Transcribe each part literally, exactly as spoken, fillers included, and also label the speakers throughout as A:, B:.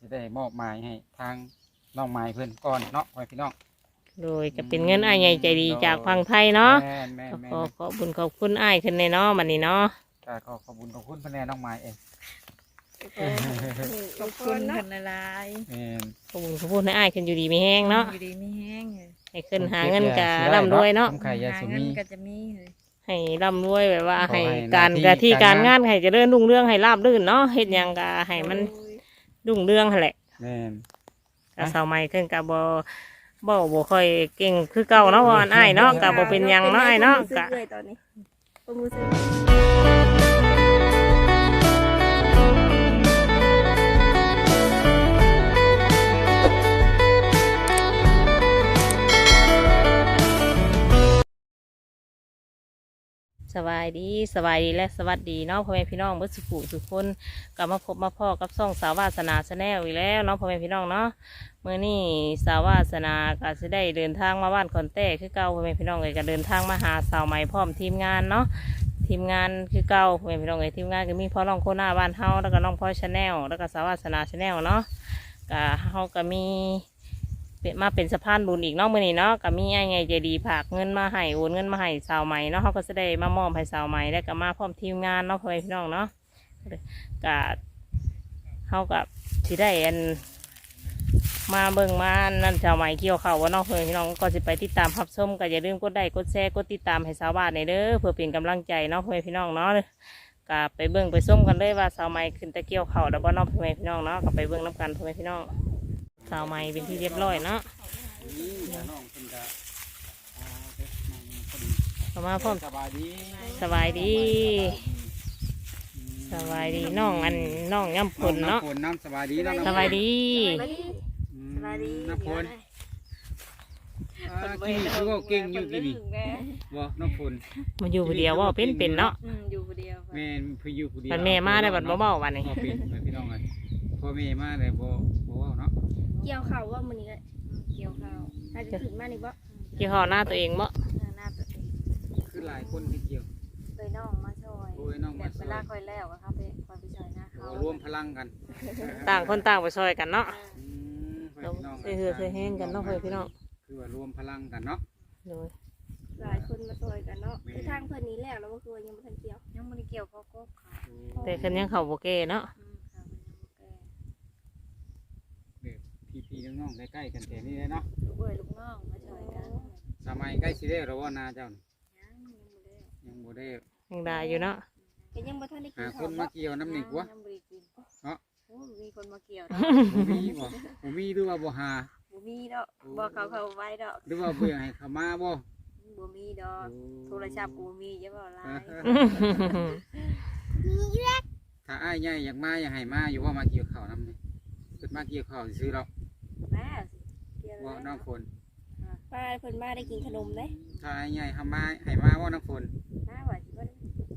A: ได้มอบหมายให้ทางน้องไม้เพิ่นก่อนเนาะไว้พี่น้อง
B: โดยก็เป็นเงินอ้ายใหญ่ใจดีจากฝั่งไทยเนาะ
A: แม่นแม่นแม่น
B: ขอขอบคุญขอบคุณอ้ายขึ้นในเนาะมันนี่เนาะ
A: ก็ขอขอบคุณขอบคุณพะแนน้องไม้เอง
C: ขอบคุณคนละลาย
A: แม่น
B: ขอบคุญขอบคุณให้อ้ายขึ้นอยู่ดีมีแห้งเนาะ
C: อยู่ดีไม่แห้งเลย
B: ให้ขึ้นหาเงินกะร่ำรวยเนาะ
A: ทำไข่ยา
C: หา
A: สุ
C: เงิน
A: มี
C: ก็จะมีเลย
B: ให้ร่ำรวยแบบว่า
A: ขอให้
B: ให้การ
A: หน้าที่
B: กะที่การ
A: การงาง
B: าน นให้เจริญรุ่งเรืองให้ราบรื่นเนาะเฮ็ดหยังกะให้มันรุ่งเรืองหั่นแหละ
A: แม่น
B: กะสาวใหม่ขึ้นกะบ่บ่บ่ค่อยเก่งคือเก่าเนาะว่าอันอ้ายเนาะกะบ่เป็นหยังเนาะอ้ายเนาะกะ
D: เลยตอนนี้ผมรู้สึก
B: สบายดีสบายดีและสวัสดีเนาะพ่อแม่พี่น้องเบิดสุขุสุขคนกลับมาพบมาพ่อกับซ่องสาววาสนาชาแนลอีกแล้วเนาะพ่อแม่พี่น้องเนาะเมื่อนี้สาววาสนาก็จะได้เดินทางมาบ้านคอนเต้คือเก่าพ่อแม่พี่น้องเลยก็เดินทางมาหาสาวใหม่พร้อมทีมงานเนาะทีมงานคือเก่าพ่อแม่พี่น้องเลยทีมงานก็มีพ่อน้องโคหน้าบ้านเฮาแล้วก็น้องพ่อชาแนลแล้วก็สาววาสนาชาแนลเนาะก็เฮาก็มีเป็นมาเป็นสะพานบุญอีกเนาะมื่อนี้เนาะก็มีไอ้ไงใจดีฝากเงินมาให้โอนเงินมาให้สาวใหม่เนาะเขาก็จะได้มามอบให้สาวใหม่แล้วก็มาพร้อมทีมงานเนาะพ่อแม่พี่น้องเนาะก็เขากับที่ได้อันมาเบิ่งมานั่นสาวใหม่เกี่ยวเขาว่าเนาะพ่อแม่พี่น้องก็จะไปติดตามรับชมก็อย่าลืมกดไลค์กดแชร์กดติดตามให้สาวบ้านในเด้อเพื่อเป็นกำลังใจเนาะพ่อแม่พี่น้องเนาะก็ไปเบิ่งไปส้มกันเลยว่าสาวใหม่ขึ้นตะเกี่ยวเขาแล้วบ่เนาะพ่อแม่พี่น้องเนาะก็ไปเบิ่งน้ำกันพ่อแม่พี่น้องสาวใหม่เป็นที่เรียบร้อยเนาะ
A: นี่น้องเพิ่นก็อ่าเด็กน้องพอดี
B: เข้ามาพร้อม
A: สบายดี
B: สบายดีสบายดีน้องอันน้องย่ำผลเนาะ
A: น้ำฝนน้ำสบายดีน้อง
B: สบายดี
A: อืม
D: สบายดี
A: น้ำฝนอ่ากินคือว่าเก่งอยู่กินนี่บ่น้ำฝน
B: มาอยู่ผู้เดียวว่าเป็นเป็นเนาะ
C: อืมอยู่คนเดียว
A: แม่นเพิ่นอยู่ผู้เดียว
B: บัดแม่มาได้บัดบ่เบาวันนี้
A: บ่เป็นไปพี่น้องเลยพ่อแม่มาได้บ่บ่เว้าเนาะ
D: เกี่ยวเข่าว่ามันนี้
C: เกี่ยวข้าว
D: ถ้าจะขึ้นมานี่บ่
B: เกี่ยวข้าวหน้าตัวเองบ่
C: หน้าตัวเอง
A: คือหลายคนที่เกี่ยว
C: เลยน้องมาช่วย
A: โอ้ยน้องมาช่วย
C: เวลาคอยแล้วก็เข้าไปคอยไปช่วยหน้าเขา
A: รวมพลังกัน
B: ต่างคนต่างไปช่วยกันเนาะ
A: อืมไป
B: เรา
A: พี่น้อง
B: เสือเสือเสือแห้งกันเนาะเพื่อนพี่น้อง
A: คือว่ารวมพลังกันเนาะ
B: โดย
D: หลายคนมาซอยกันเนาะคือทางเพิ่นนี้แล้วแล้วก็คือยังบ่ทันเกี่ยว
C: ยังไม่ได้เกี่ยวเขาก็เขา
B: แต่คันยังเขาโบเก้เนาะ
C: อืมค่ะมันยังบ่แก่
A: เด็กพี่ๆน้องๆใกล้ๆกันแถวนี้เลยเนาะ
C: ลูกเอ้ยลูกน้องมาช่วยกัน
A: สมัยใกล้สิได้แล้วว่านาเจ้านี่
C: ยังยังบ่ได้
A: ยังบ่ได้
B: ยังได้อยู่เนาะ
D: ก็ยังบ่ทันได้กิ
A: หาน ค
D: ข้าวน
A: มา
D: บ่
A: เกี่ยวน้ำหนิกวะ
C: ยังบ่ได้กิน
A: เนาะ
C: โอ้มีคนมาเกี่ยว
A: บ่มีบ่บ่มีหรือว่าบ่หา
C: บ่มีดอกบ่เขาเขาไว้ดอก
A: หรือว่าเบื่อให้เขามาบ่
C: บ่มีดอกโทรศัพท์กูมีเยอะบ่หลาย
A: ถ้าอ้ายใหญ่อยากมาอยากให้มาอยู่ว่ามาเกี่ยวข้าวน้ำนี่เพิ่นมาเกี่ยวข้าวซื้อหรอก
C: แม่เกี่ยว
A: ว่า
C: แล้ว
A: น้องฝน
D: ป้าเพิ่นมาได้กินขนมเด้
A: ถ้าอ้ายใหญ่ทำมาให้มาว่าน้องฝน
C: น้าว่าสิเพิ่น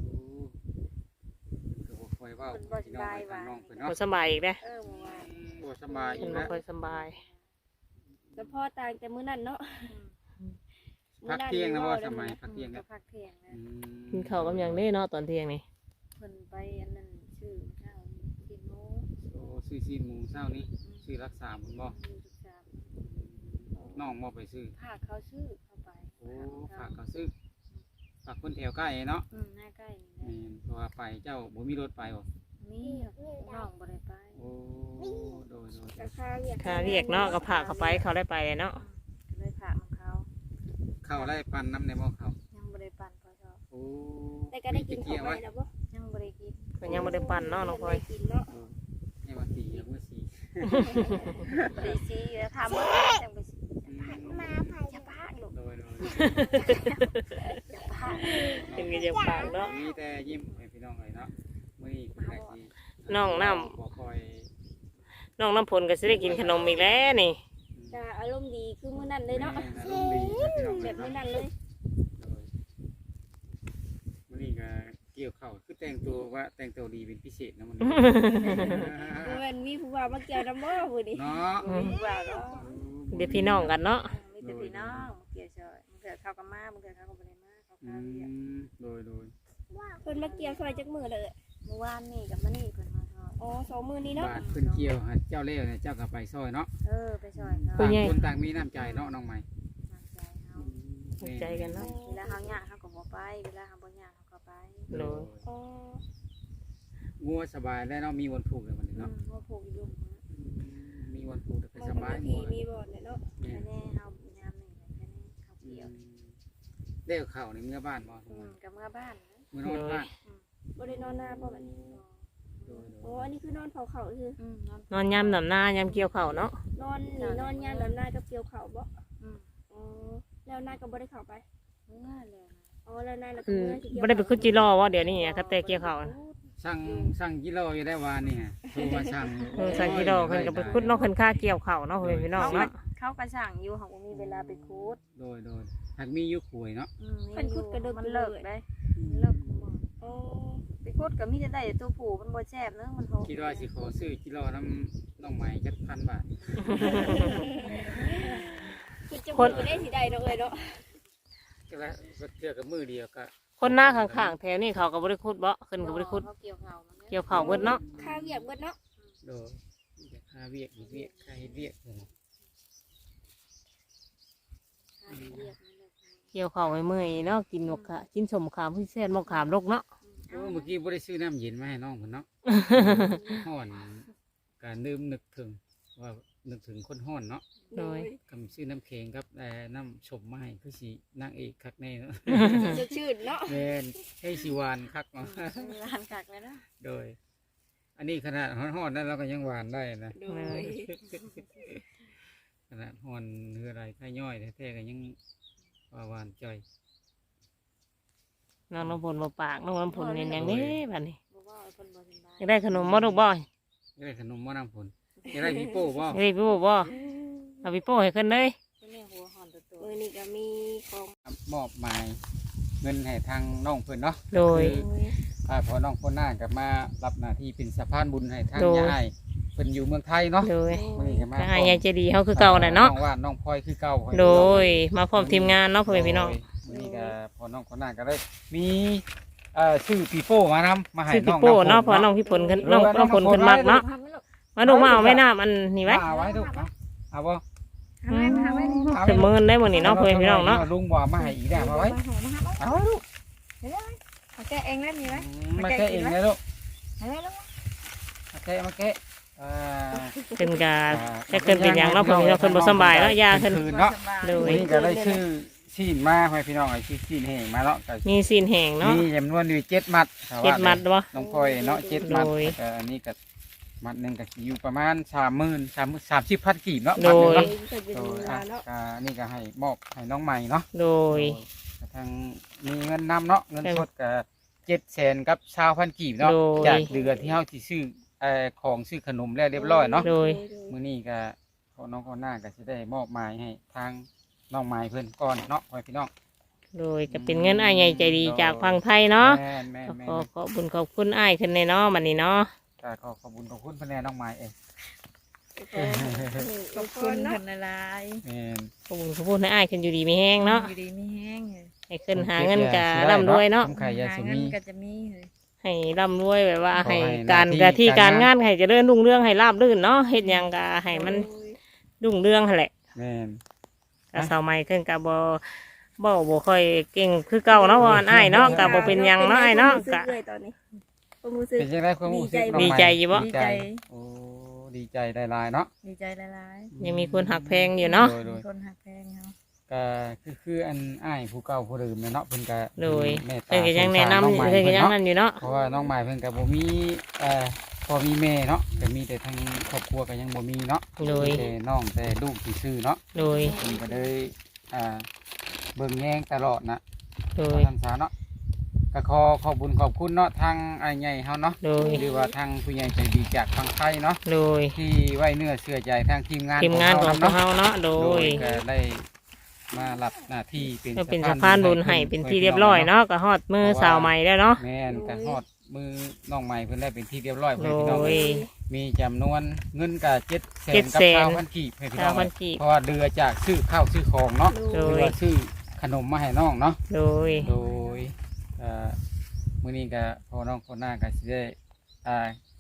A: โอ้ก็บ่ค่อยเว้า
C: เพิ่นบ่ส
A: พี่น้อง
C: บาย
A: ไปทาง
C: ว่า
A: น้องเพิ่น
B: บ่
A: เนาะ
B: สบายอีกเด้
C: เออเมื่อวาน
A: บ่สบายอ
B: เพิ่น
A: ยู่
B: บ่
A: แล้ว
B: ค่อยสบาย
D: แล้วพ่อตายแต่มื้อนั้นเนาะ
A: พักเที่ยงนะบ่สมัยพักเที่ยง
C: ก็
A: แล้ว
C: พักเที่ยงนะ
A: อืม
B: กินข้าวกับหยังเด้เนาะตอนเที่ยงนี่
C: เพิ่นไปอันนั้นชื่อข้าวกินหมู
A: โอ้ซื้อซีนหมูเช้านี้ซื้อรักษาบุญบ่
C: อยู่ทุกสาม
A: น้องบ่ไปซื้อ
C: ภาคเขาชื่อเข้าไป
A: โอ้ฝากเขาซื้อฝากคนแถวใกล้เนาะ
C: อืมหน้าใกล้นี่
A: แม่
C: นะ
A: นเพราะว่าไปเจ้าบ่มีรถไปบ่
C: มีน้องบ่ได้ไป
A: โอ้โดยโดย
D: ก็ค่าเรียก
B: ค่าเรียกเนาะก็พาเขาไปเขาได้ไปเลยเนาะ
C: ก็เลยพาของเขา
A: เข้าไล่ปันน้ำในบ่เขา
C: ยังบ่ได้ปั่นพอชอบ
A: โอ้
D: แต่ก็ได้กิน
A: เกี่
D: ข้า
A: ยว ว
D: ไว้
A: ไว้
D: แล้วบ่
C: ยังบ่ได้กิน
B: เพิ่นยังบ่ได้ปั่นเนาะน้องพลอย
D: ได้กินเนาะ
A: เออให้ว่าสีแล้วว่าสี
C: ได้สิแล้วทำบ่จังไปสิ
A: อืม
D: มาไผจะพากลูก
A: โดยโดย
C: จะพา
B: เป็นกินยังปากเนาะ
A: มีแต่ยิ้มให้พี่น้องเลยเนาะมื้อนี้เป็นไงสิ
B: น้องน้ำ
A: บ่ค่อย
B: น้องน้ำผลก็สิได้กินขนมอีกแล้วนี่
D: จะอารมณ์ดีคือมื้อนั้นเลยเนาะ
A: แม่อารมณ์ดีนะพี่น้อง
D: แบ
A: เอ้ย
D: บมื้อ
A: เนาะ
D: นั้นเลย
A: โดยมื้อนี้ก็เกี่ยวข้าวคือแต่งตัวว่าแต่งตัวดีเป็นพิเศษนะมันนี้
D: บ่แม่นมีผู้ว่ามาเกี่ยวนํบ่มื้อนี้
A: เนาะ
C: มีว่าก็
B: เดี๋ยวพี่น้องกันเนาะ
C: มีแต่พี่น้องเกี่ยวซอยมึงเกิดเขาก็มามึงเกิดเขาก็บ่ได้มาเขา
A: อื
C: ข้าวเดียว
A: มโดยโดย
D: เพิ่นมาเกี่ยวซอยจักมื้อเลย
C: เมื่อวานนี่กับมื้อนี้เพิ่นมาทอด
D: อ๋อสองมื้อนี้เนาะ
A: บาทเพิ่นเกี่ยวให้เจ้าเล่เนี่ยเจ้าก็ไปซอยเนาะ
C: เออไปช่วยเขา
B: ผู้
A: ต่าง
B: ใหญ่
A: คนต่างมีน้ำใจเนาะน้องใหม่
C: น้ำใจเขา
B: เข้าใจกันเนาะ
C: เวลาเขายากเขาก็บ่ไปเวลาเขาบ่ยากเขาก็ไป
B: โดย
D: อ๋อ
A: งัวสบายแล้วเนาะมีวันผูกเลยวันนี้
C: อื
A: เนาะ
C: มว่าผูกอยู่
A: มีวันผูกแต่ก็
D: มัน
A: ส
D: ก็
A: บาย
D: มีที่มีบ่อนเนี่ยเนาะ
A: แม่
C: แค่นี้เขายามหนึ่งแค่นี้เขาเกี่ยว
A: เลี้ยวเข้าในเมื่อบ้านบ่
C: อืมกับเมื่อบ้านนะ
A: เมื่อนอนบ้าน
D: บ่ได้นอนหน้าบ่บัดนี้
A: โดย
D: อ๋ออันนี้คือนอนเผาเขาคือ
C: อืมนอน
B: นอนย่ำดำหน้าย่ำเกี่ยวเข่าวเนาะ
D: นอนนี่นอนยามแล้วหน้ากับเกี่ยวเขาบ่
C: อืม
D: อ๋อแล้วหน้าก็บ่ได้เข้าไป
C: เมื่อเลยนะ
D: อ๋อแล้วหน้าแล้วก็
B: คือ
D: เมื่อสิเกี่ยว
B: ไม่ได้ไปขึ้นจิรอว่าเดี๋ยวนี้อะก็แต่เกี่ยวเข่าวน่ะ
A: สั่งสั่งกิโลอยู่ได้วานนี่ฮะโทรมาสั่ง
B: เออใส่จิรอเพิ่นก็ไปขึ้นเนอกเพิ่นค่าเกี่ยวเข่าวเนาะเพิ่นพี่น้อง
C: เขาก็
B: เนาะ
C: เขาก็สั่งอยู่เขาก็มีเวลาไปคูด
A: โดยโดยหากมีอยุคหวยเนาะ
C: อืมมันเลิกได้มันเลิกคุม
D: อ๋อ
C: ไปคูดก็มีแต่ได้ตัวผู้มันบ่แซ่บเนอะมันโห
A: คิดว่าสิขอซื้อกิโลน้ำน้องใหม่จัดพันบาท
D: คือจะบ่ได้สิได้ดอกเอ้ยเนาะ
A: ก็แล้วก็เทื่อกับมือเดียวก็
B: คนหน้าข้างๆแถวนี้เขาก็บ่ได้ขุดบ่ขึ้นก็บ่ได้ขุด
C: เขาเกี่ยวเขา
B: เกี่ยวเข่าวเบิดเนาะ
D: ค่าเวียกเบิดเนาะ
A: โดยอยากหาเวียกอีกเวียกใครเวียกเออ
B: เกี่ยวเข่าวไว้เมื่อยเนาะกินมกขะกินสมขามพิเศษมกขามลกเนาะ
A: โอ้เมื่อกี้บ่ได้ซื้อน้ำเย็นมาให้น้องเพิ่นเนาะ ฮ้อนการดื่มนึกถึงว่านึกถึงคนฮ้อนเนาะ
B: โดย
A: ก็มีซื้อน้ำแข็งกับเอ่อน้ำชมมาให้คือสินางเอกคักแน่เนาะ
D: จะชื่นเนาะ
A: แม่นให้สิหวานคักเนาะ
C: ร้านกักเลยนะ
A: โดย อันนี้ขนาดฮ้อนๆนั้นเราก็ยังหวานได้นะ
D: โดย
A: ขนาดฮ้อนเฮืออะไรไข่ย่อยแท้ๆก็ยังว่าหวานจ่อย
B: น้องน้ำผลบ่ปากน้องน้ำผลเห็นอย่างนี้บัดนี้
C: บอกว่าคนบ่สบาย
B: อยากได้ขนมบ่ลูกบ่อย
A: จะได้ขนมบ่น้ำผลจะได้พี่โป้บ่
B: ากได้พี่โป้บ่เอาพี่โป้ให้ขึ้นเลย
C: แม่หัวหอนตัวตัว
D: มื้อนี้ก็มีของ
A: มอบหมายเงินให้ทางน้องเพิ่นเนาะ
B: โดย
A: อ่าพอน้องคนหน้ากับมารับหน้าที่เป็นสะพานบุญให้ทาง
B: โดย
A: ยายเพิ่นอยู่เมืองไทยเนาะ
B: โดย
A: มื้อนี้ก็มา
B: ก็ให้ยายใจดีเฮาคือเก่าน่ะเนาะ
A: น้องว่านน้องพลอยคือเก่า
B: โดยมาพร้อมทีมงานเนาะพ่อแม่พี่น้อง
A: มื้อนี้ก็พอน้องคนหน้าก็ได้มีเอ่อชื่อปีโป้มานำมาให้
B: ซื้อ
A: น้
B: พี่
A: อง
B: โป้
A: ำ
B: เนาะเพอน้องพี่ผลขึ้นน้องน้องผลขึ้นมากเนาะมาดูมาเอาแม่น้ำอันนี้ไว้
A: เอาไว้ดูเอาเอาบ่
C: ทำไมทำไม
A: เอา
B: จะมื้อได้มื้อนี้เนาะพ่อแม่พี่น้องเนาะ
A: ลุงว่ามาให้อีกแล้วเอาไว้เอาไว้ลูก
C: เขาแก้เองได้มีไหม
A: อืมมาแกะเองเลยลูก
C: เห็นไหมลูก
A: มาแกะมาแกะอ่า
B: ขึ้นกาจะขึ้นเป็นหยังเนาะพ่อแม่พี่น้องขึ้นบ่สำบายเนาะยาขึ้น
A: คืนเนาะ
B: โดย
A: วันนี้ก็ได้ชื่อชีนมาให้พี่น้องไอ้ชื่อชีนแห้งมาเนาะก็
B: มีซีนแห้งเนาะ
A: มีจำนวนอยู่เจ็ดมัดถ้าว่า
B: เจ็ดมัดบ่
A: น้องพลอยเนาะเจ็ดมัด
B: โดย
A: แต่อันนี้ก็มัดหนึ่งก็สิอยู่ประมาณสามหมื่นสามสามสิบพันกีบเนาะ
B: โดย
A: มัหนึ่ง
D: เพิ่นเป็น
A: เนาะโดย
D: เว
A: อ่ะ
D: ลาเนาะ
A: ก็อันนี่ก็ให้มอบให้น้องใหม่เนาะ
B: โดย
A: ก็ทางมีเงินนำเนาะเงินสดก็เจ็ดแสนกับชาวพันกีบเนาะ
B: โดย
A: จากเดือนที่เฮาสิซื้อเอ่อของซื้อขนมแล้วเรียบร้อยเนาะ
B: โดย
A: มื้อนี้ก็พอน้องคนหน้าก็สิได้มอบหมายให้ทางน้องใหม่เพิ่นก่อนเนาะพ่อพี่น้อง
B: โดยก็เป็นเงินอ้ายใหญ่ใจดีจากฝั่งไทยเนาะ
A: แม่นแม่น
B: ก็
A: แม่
B: ขอน ขอบคุญขอบคุณอ้ายขึ้นในเนาะบัดนี้เนาะ
A: ก็ขอขอบคุณขอบคุณเพิ่นแน่น้องใหม่เอง
C: ขอบคุณคนละลาย
A: แม่น
B: ขอบคุณขอบคุณให้อ้ายขึ้นอยู่ดีมีแห้งเนาะ
C: อยู่ดีไม่แห้งเลย
B: ให้ขึ้นหาเงินกะร่ำรวยเนาะ
A: ทำไข่ยา
C: หา
A: สุ
C: เงิ
A: มี
C: นก็จะมีเลย
B: ให้ร่ำรวยแบบว่า
A: ขอให้
B: ให้การ
A: หน้าที่
B: กะที่
A: กา
B: การ
A: รงาง
B: าน นให้เจริญรุ่งเรืองให้ราบรื่นเนาะเฮ็ดหยังกะให้มันรุ่งเรืองหั่นแหละ
A: แม่น
B: กะสาวใหม่ขึ้นกะบ่บ่บ่ค่อยเก่งคือเก่าเนาะว่าอันอ้ายเนาะกะบ่เป็นหยังเนาะอ้ายเนาะกะ
D: เลยตอนนี้ความรู้สึก
A: เป็นยังไงความรู้สึกน้อง
B: ดี
A: ใหม่
B: ใจอยู่บ่
A: ดีใจโอ้ดีใจได้หลายเนาะ
C: ดีใจละลาย
B: ยังมีคนหักแพงอยู่เนาะ
A: โดยโด
C: มี
A: ย
C: คนหักแพงเขา
A: ก็คือคืออันอ้ายผู้เก่าผู้เดิมเนี่ยเนาะเพิ่นก็
B: โดย
A: เมตตา
B: เพิ่นก็ยังแนะนำ
A: สงสาร
B: เพิ่นก็ยัง
A: น้องใหม่
B: นั่นอยู่เนาะ
A: เพราะว่าน้องใหม่เพิ่นก็บ่มีเอ่อพอมีแม่เนาะก็มีแต่ทางครอบครัวก็ยังบ่มีเนาะ
B: โดย
A: มีแต่น้องแต่ลูกที่ซื่อเนาะ
B: โดย
A: เพิ่นก็เลยอ่าเบิ่งแยงตลอดนะ
B: โดย
A: ท่านสาเนาะก็ขอขอบคุญขอบคุณเนาะทางไอ้ใหญ่เฮาเนาะ
B: โดย
A: หรือว่าทางผู้ใหญ่ใจดีจากทางไทยเนาะ
B: โดย
A: ที่ไว้เนื้อเชื่อใจทางทีมงาน
B: ทีมงานของพวก
A: เฮา
B: เฮาเนาะโด
A: โด
B: ย
A: ยก็ได้มารับหน้าที่เป็น
B: ก็เป็นสะพานบุญให้เป็นที่เรียบร้อยเนาะก็ฮอดมือสาวใหม่แล้วเนาะ
A: แม่นก็ฮอดมือน้องใหม่เพิ่นได้เป็นที่เรียบร้อย
B: โด
A: เพิ่นพี่น้อง
B: ย
A: มีจำนวนเงินก็เจ็ดแสน
B: เจ็ด
A: กับ
B: แสน
A: เก้าพันกีบให้พี่
B: ชา
A: น้
B: ว
A: อง
B: พันกีบ
A: เพราะว่าเดือจากซื้อข้าวซื้อของเนาะ
B: โด
A: หรือย ว่าซื้อขนมมาให้น้องเนาะ
B: โดย
A: โดยเอ่อมื้อนี้ก็พอน้องคนหน้าก็สิได้อ่า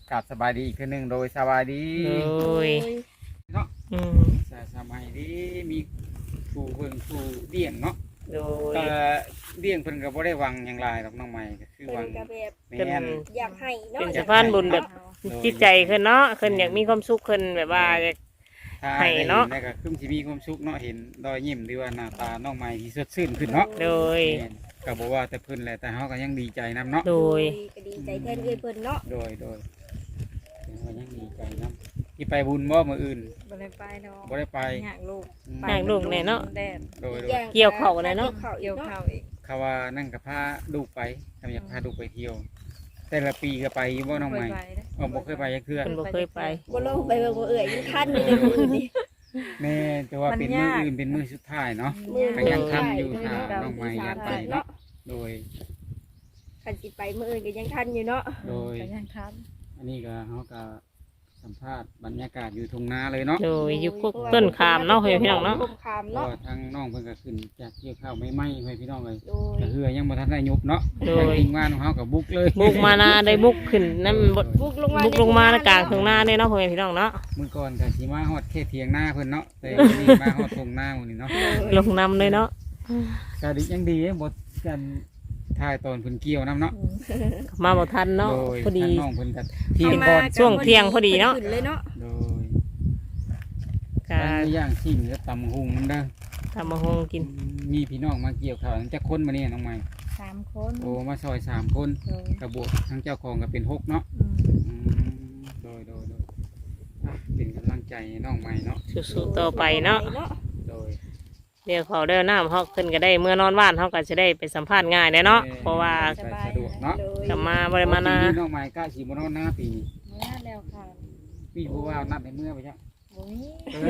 A: กราบสบายดีอีกเทื่อหนึงโดยสบายดี
B: โดย
A: เนาะ
B: อืม
A: สสบายดีมีผู้เบิ่งผู้เลี้ยงเนาะ
B: โดย
A: ก็เลี้ยงเพิ่นก็บ่ได้หวังหยังหลายดอกน้องใหม่ก็คือห
D: เพิ่
A: วั
D: น
A: ง
D: ก็แบบ
A: แม่น
D: อยากให้เนาะ
B: เป็นสะพานบุญแบบจิตใจขึ้นเนาะขึ้นอยากมีความสุขขึ้นแบบว่าอยาก
A: ถ้า
B: ให้
A: ได้
B: เนาะ
A: เห็นแล้วก็คือสิมีความสุขเนาะเห็นรอยยิ้มหรือว่าหน้าตาน้องใหม่ที่สดชื่นขึ้นเนาะ
B: โดย
A: แม่นก็บอกว่าแต่เพิ่นแหละแต่เฮาก็ยังดีใจนํเนาะ
B: โดย
D: ก็ดีใจแทนเอ้ยเพิ่นเนาะ
A: โดยโดยเพิ่นก็ยังดีใจนํที่ไปบุญบ่มื้ออื่น
C: บ่ได้ไปดอก
A: บ่ได้ไป
C: อยากลูก
A: อืม
B: อยากลูกแน่เนาะ
C: แดด
A: โดยโด
D: อี
A: ย
D: อง
B: เกี่ยวข้าวเลยเนาะ
D: เกี่ยวข้าว
C: เกี่
D: อี
C: ยว
D: ก
C: ข้าวอีก
A: เขาว่านั่งกับพาลูกไปทำอยากพาลูกไปเที่ยว แต่ละปีก็ไปอยู่บ่น้องใหม่
C: เคยไปเด้
A: อ๋อบ่เคยไปจักเทื่อ
B: เพิ่นบ่เคยไป
D: บ่ลงไปเบิ่งบ่เอ่ยยังทันอยู่ในมือนี่
A: แม่แต่ว่าเป็นมื้ออื่นเป็นมื้อสุดท้ายเนาะ
D: มือ
A: ก็ยังทันอยู่
D: เ
A: ถ้าน้องใหม่อยากไปเนาะโดย
D: คันสิไปมื้ออื่นก็ยังทันอยู่เนาะ
A: โดย
C: ก็ยังทัน
A: อันนี้ก็เฮาก็สัมภาษณ์บรรยากาศอยู่ทุ่งนาเลยเนาะ
B: โดยอยู่พวกต้นขามเนาะพี่น้องเนาะ
D: ต้นขาม
A: ก็
D: เนาะ
A: ทางน้องเพิ่นก็ขึ้นจากเกี่ยวข้าวไม่ไหม้ให้พี่น้องเลย
D: โดย
A: แต่เฮือยังบ่ทันได้ยุบเนาะ
B: โดย
A: ทางทีมงานของเฮาก็บุกเลย
B: บุกมานาได้บุกขึ้นนั่นบด
D: บุกลงมา
B: บุกลงมาในกลางทุ่งนาเนี่ยเนาะพ่อแม่พี่น้องเนาะ
A: มื้อก่อนก็สิมาฮอดเขตเถียงนาเพิ่นเนาะแต่วันนี้มาฮอดทุ่งนาหมื้อนี้เนาะ
B: ลงนำเลยเนาะ
A: ก็ดียังดีบ่กันถ่ายตอนเพิ่นเกี่ยวนํเนาะ
B: มาบ่ทันเนาะ
A: โดย
B: พอดี
A: ทางน้องเพิ่นก็เที่ยง
D: เอามา
A: ก่อน
B: ช่วงเที่ยงพอดีเนาะ
D: ขึ้เลยเนาะ
A: โดย
B: ก็
A: ทางย่างชิมก็ตำหุงนำเด้อ
B: ทำมาหงกิน
A: มีพี่น้องมาเกี่ยวข้าวจักคนมานี่น้องใหม่
C: สามคน
A: โอ้มาซอยสามคน
C: โดย
A: กระบวกทั้งเจ้าของก็เป็นหกเนาะ
C: อืม
A: อืมโดยโดยโดยอ่ะเป็นกำลังใจให้น้องใหม่เนาะ
B: สู้ๆต่อไปเนาะ
A: โดย
B: เดี๋ยวเขาเดินน้ำเขาขึ้นก็ได้เมื่อนอนบ้านเขาก็จะได้ไปสัมภาษณ์ง่ายเลยเนาะเพราะว่า
A: สะดวกเนาะ
D: โดย
B: กลับมาบริมานา
A: ปีนี้น้องใหม่กล้าสีมานอนหน้าปีนี้
C: เมื่อแล้วค่ะ
A: ปีผู้ว่านับให้เมื่อไปจ้ะ
C: บ่มี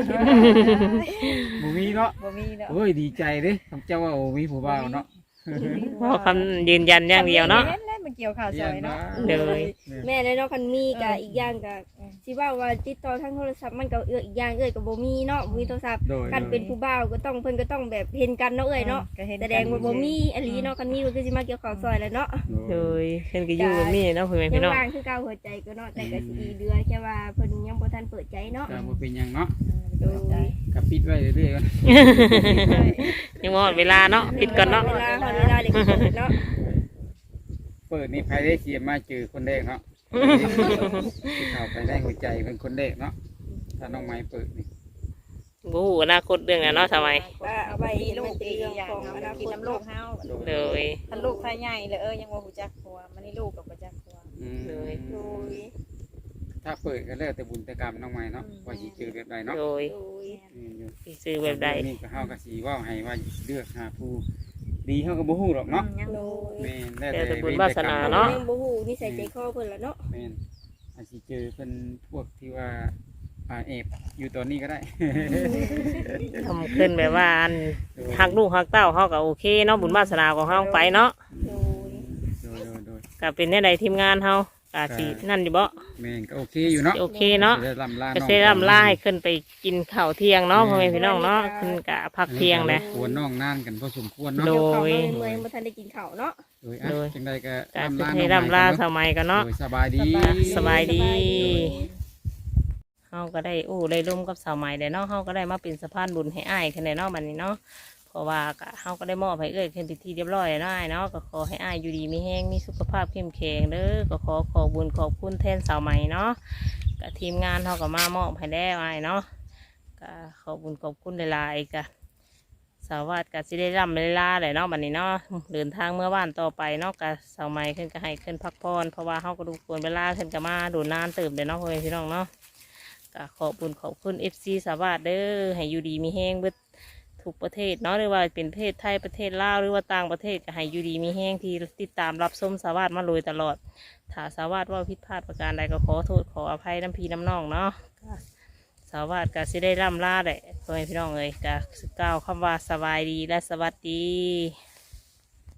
A: บุมีเนาะ
C: บ่มีแล้ว
A: โอ้ยดีใจเด้คำเจ้าว่าโอ้มีผู้ว่าเนาะ
B: เพราะคำยืนยันอย่างเดียวเนาะ
C: เห็นแล้วมันเกี่ยวข้าวซอยเนาะ
B: เลย
D: แม่ได้เนาะคันมีก็อีกอย่างก็สิว่าว่าติดต่อทางโทรศัพท์มันก็เอื้ออีกอย่างเอ้ยก็บ่มีเนาะบ่มีโทรศัพท์
A: โดย
D: กันเป็นผู้บ่าวก็ต้องเพิ่นก็ต้องแบบเห็นกันเนาะเอ้ยเนาะ
C: ก็เห็น
D: แสดงว่าบ่มีอหลีเนาะคันมีก็คือสิมาเกี่ยวข้าวซอยแหล้วเนาะ
B: โดยเพิ่นก็อยู่แบบนี้เนาะพ่อแม่
D: ยั
B: พี่
D: ง
B: น้อง
D: ว่างคือเก่าหัวใจก็เนาะแต่ก็สิดีเดือแค่ว่าเพิ่นยังบ่ทันเปิดใจเนาะ
A: ก็บ่เป็นหยังเนาะ
C: โดย
A: กับปิดไว้เรื่อยๆกัน
B: ยังหมดเวลาเนาะปิดก่อนเนาะ
D: เวลาเฮาเวลาเด็กเปิดเนาะ
A: เปิดนี่ภายได้เสียมาเจอคนแรกเนาะที่เข้าไปได้หัวใจเป็นคนแรกเนาะถ้าน้องไม้เปิดนี่
B: บู๊อนาคตเรื่องน่ะเนาะทำไม
D: ว่าเอาไว้
C: มีลู
D: มัน
C: ก
D: เป็น
C: อีก
D: เรื่อง
C: อย่าง
D: ของอนา
C: กิน
D: คต
C: น้ำลู
D: เนาะ
C: กเฮา
B: เลย
C: ถ้าลูกถ้าใหญ่เลยเออยังบ่ฮู้จักผัวมันนี่ลูกกับบ่จักผัว
A: อืม
D: โดย
A: ถ้าเปิดก็แล้วแต่บุญแต่กรรมน้องไม้เนาะว่าสิเจอแบบใดเนาะ
B: โดย
D: โดย
A: อืมอยู่
B: สิซื้อแบบใด
A: นี่ก็เฮาก็สิเว้าให้ว่าเลือกหาผู้ดีเฮาก็บ่ฮู้หรอกเนาะ
C: ยัง
D: โด
C: บ่
D: ย
A: แม่นแล้ว
B: แต่
A: แต่
B: บุญ
A: เวร
B: วา
A: แต่
B: ส
A: กรร
B: นา
A: ม
B: เนาะ
D: ยังบ่ฮู้นิสัยใจคอเพิ่นล่ะเนาะ
A: แม่นอาจสิเจอเพิ่นพวกที่ว่าอ่าเอบอยู่ตอนนี้ก็ได้
B: ทำขึ้นแบบว่าอันหักลูกหักเต้าเขาก็โอเคเนาะบุญวาสนาของเขาไปเนาะ
D: โดย
A: โดยโดยโดย
B: ก็เป็นในใดทีมงานเขาก็สินั่นอยู่บ่
A: แม่นก็โอเคอยู่เนาะ
B: โอเคเนาะ
A: สิได้ลำลา
B: ก็
A: น้อง
B: เซรั่มล่าให้ขึ้นไปกินข้าวเที่ยงเนาะพ่อแม่พี่น้องเนาะขึ้นกะพักเที่ยงเลย
A: ควรน้องนานกันพอสมควร
B: โด
A: เนาะ
B: ย
D: เดี๋ยวเขามาเมื่อยๆบ่ทันได้กินข้าวเนาะ
A: โดยอ่ะ
B: โดย
A: จังใดก็
B: ก็
A: ลำลา
B: ให้
A: น้อง
B: ร่ำลา
A: ใหม่
B: สมัยกันเนาะ
A: โดยสบายดี
B: สบายดี เฮาก็ได้อู้ได้ร่วมกับสาวใหม่ได้เนาะเฮาก็ได้มาเป็นสะพานบุญให้อ้ายขึ้นในเนาะบัดนี้เนาะเพราะว่าก็เฮาก็ได้มอบให้เอ้ยขึ้นไปที่เรียบร้อยแล้วอ้ายเนาะก็ขอให้อ้ายอยู่ดีมีแห้งมีสุขภาพเข้มแข็งเด้อก็ขอขอบุญขอบคุณแทนสาวใหม่เนาะก็ทีมงานเฮาก็มามอบให้แล้วอ้ายเนาะก็ขอบุญขอบคุณหลายๆก็สาวาดก็สิได้ร่ำได้ลาเลยเนาะบัดนี้เนาะเดินทางเมื่อบ้านต่อไปเนาะก็สาวใหม่ขึ้นก็ให้ขึ้นพักผ่อนเพราะว่าเฮาก็ดูควรเวลาขึ้นก็มาดูนานเติมเด้อเนาะพ่อแม่พี่น้องเนาะ ก็ขอบคุณขอบคุณ เอฟ ซี สาวาสเด้อให้อยู่ดีมีแห้งเบิดทุกประเทศเนาะหรือว่าเป็นประเทศไทยประเทศลาวหรือว่าต่างประเทศก็ให้อยู่ดีมีแห้งที่ติดตามรับชมสาวาสมาโดยตลอดถ้าสาวาสว่าผิดพลาดประการใดก็ขอโทษขออภัยน้ำพีน้ำน้องเนาะก็สาวาสก็สิได้ร่ำลาแหละพ่อแม่พี่น้องเอ้ยก็กล่าวคำว่าสบายดีและสวัสดี